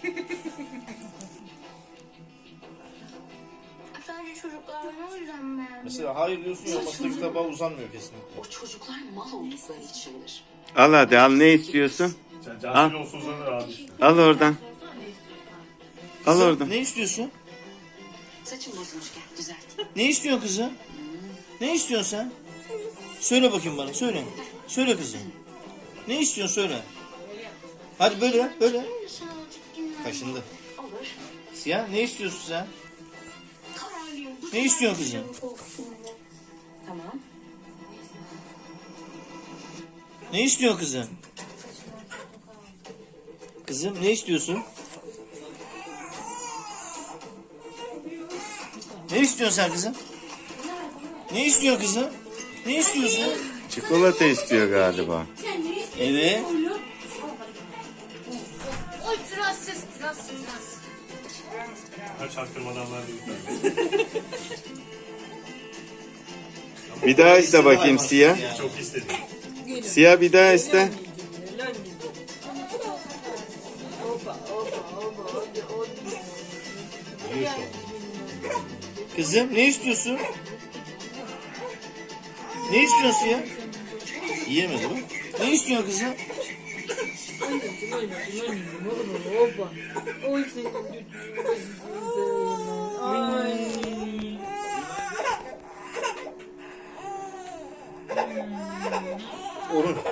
Sadece çocuklar o yüzden mi beğendim? Mesela hayır diyorsun ya, masadaki tabağa uzanmıyor kesinlikle. O çocuklar mal oldukları içindir. Al hadi al, ne istiyorsun? Cansel olsa uzanır abi işte. Al oradan. Al Kızım, oradan. ne istiyorsun? Saçım bozulmuş, gel düzelt. Ne istiyorsun kızım? Ne istiyorsun sen? Söyle bakayım bana, söyle. Söyle kızım. Ne istiyorsun, söyle. Hadi böyle yap, böyle yap. Kaşındı. Olur. Siyah, ne istiyorsun sen? Kararlıyım. Bu Ne istiyorsun kızım? Tamam. Ne istiyorsun kızım? Kızım, ne istiyorsun? Ne istiyorsun sen kızım? Ne istiyorsun kızım? Ne istiyorsun? Çikolata istiyor galiba. Evet. Oy tıraşsız. Kaç çaktırmadan var değil. Bir daha iste bakayım siyah. Çok istedim. Siyah bir daha iste. Kızım, ne istiyorsun? Ne istiyorsun ya? Yiyemedi bu. Ne istiyorsun kızım? Oy senin Ay. Orun.